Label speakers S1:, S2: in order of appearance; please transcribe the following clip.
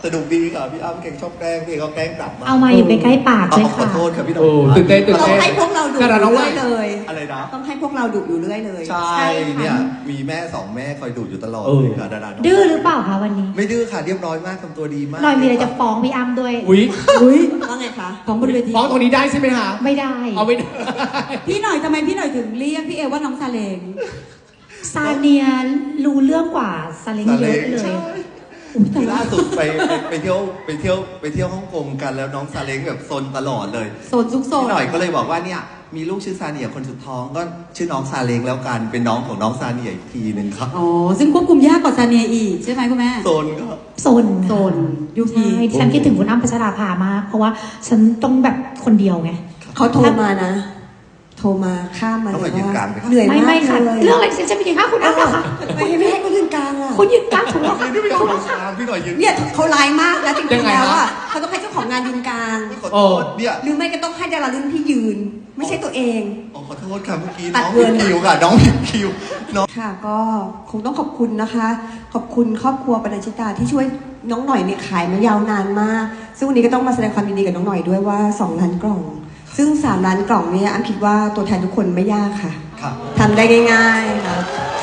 S1: สนุกดีค่ะพี่อ้ำแกงชอบแกล้งพี่เขาแกล้งกลับมา
S2: เอามาอยู่ใกล้ๆปากเลย
S1: ขอ
S2: ค่ะ
S1: โทษครับพี่หน่อ
S3: โอ้
S1: ย
S3: ตื่นเต้นตื่น
S4: ต้อง
S3: เต้น
S4: ให้พวกเราดุอยู่เรื่อยเลย
S1: อะไรนะ
S4: ต้องให้พวกเราดุอยู่เรื่อยเลย
S1: ใช่เนี่ยมีแม่สองแม่คอยดูอยู่ตลอดเลยค่ะดารา
S2: ดื้อหรือเปล่าคะวันนี้
S1: ไม่ดื้อค่ะเรียบร้อยมากทำตัวดีมาก
S2: หน่อยมีอะไรจะฟ้องพี่อ้ำด้วย
S3: อุ้ย
S4: ว่าไงคะของบนเวที
S3: ฟ้องตรงนี้ได้ใช่ไหมคะ
S2: ไม่ได้
S3: เอาไม่ได้
S4: พี่หน่อยทำไมพี่หน่อยถึงเรียกพี่เอว่าน้องซาเลง
S2: ซาเนียรู้เรื่องกว่าซาเล้งเยอะเลย
S1: ใช่ คือล่าสุดไปเที่ยวฮ่องกงกันแล้วน้องซาเล้งแบบซนตลอดเลย
S4: โซนซุกโซน
S1: พี่หน่อยก็เลยบอกว่าเนี่ยมีลูกชื่อซาเนียคนสุดท้องก็ชื่อน้องซาเล้งแล้วกันเป็นน้องของน้องซาเนียอีกทีหนึ่งครับ
S4: อ๋อซึ่งควบคุมยากกว่าซาเนียอีกใช่ไหมคุณแม่
S1: โซนก็
S2: โซน
S4: โซนยุค
S2: ใช่
S4: นี้
S2: ฉันคิดถึงคุณอ้ำพัชราภามาก เพราะว่าฉันต้องแบบคนเดียวไง
S5: เขาโทรมานะ โทรมาข้ามมา
S1: ต้อง
S5: เล
S1: มาย ยืน
S5: ว่าก
S1: ลางไหมครับ
S5: เหนื่อย
S2: ไม่
S5: มาก
S2: ไม่ค่ะ
S5: เลย
S2: เรื่องอะไรฉันจะไปยืนข้างคุณอ้ำเหรอคะ
S5: ไม่ให้เขายืนกลางอ่ะ
S2: คุณยืนกลางถูกแล้วค่ะ
S1: นี่ไม่ยอ
S2: ถู
S1: ม
S2: กแล้ว
S1: ยืน
S2: ค่ะ
S1: กลางพี่หน่อยยืน
S4: เนี่ยเขาร้ายมากนะจริ
S3: ยัง
S4: งๆ
S3: ไง
S4: แล้ว
S3: ฮะ
S4: อ่ะเขาต้องให้เจ้าของงานยืนกลาง
S1: ขอโทษเนี่ย
S4: หรือไม่ก็ต้องให้ดารารุ่นพี่ยืน ไม่ใช่ตัวเอง
S1: ขอโทษค่ะเมื่อกี้
S4: ตั
S1: น้
S4: ด
S1: อง
S4: เงิ
S1: ผิด
S4: น
S1: คิวค่ะน้องผิดคิวน้อง
S5: ค่ะก็คงต้องขอบคุณนะคะ ขอบคุณครอบครัวปนัญชิตาที่ช่วยน้องหน่อยเนี่ยขายมายาวนานมาก ซึ่งวันนี้ก็ต้องมาแสดงความยินดีกับน้องหน่อยด้วยว่า2 ล้านกล่อง ซึ่ง3 ล้านกล่องเนี่ยอ้ำคิดว่าตัวแทนทุกคนไม่ยากค่ะ
S1: ค่ะ
S5: ทำได้ง่ายๆค่ะ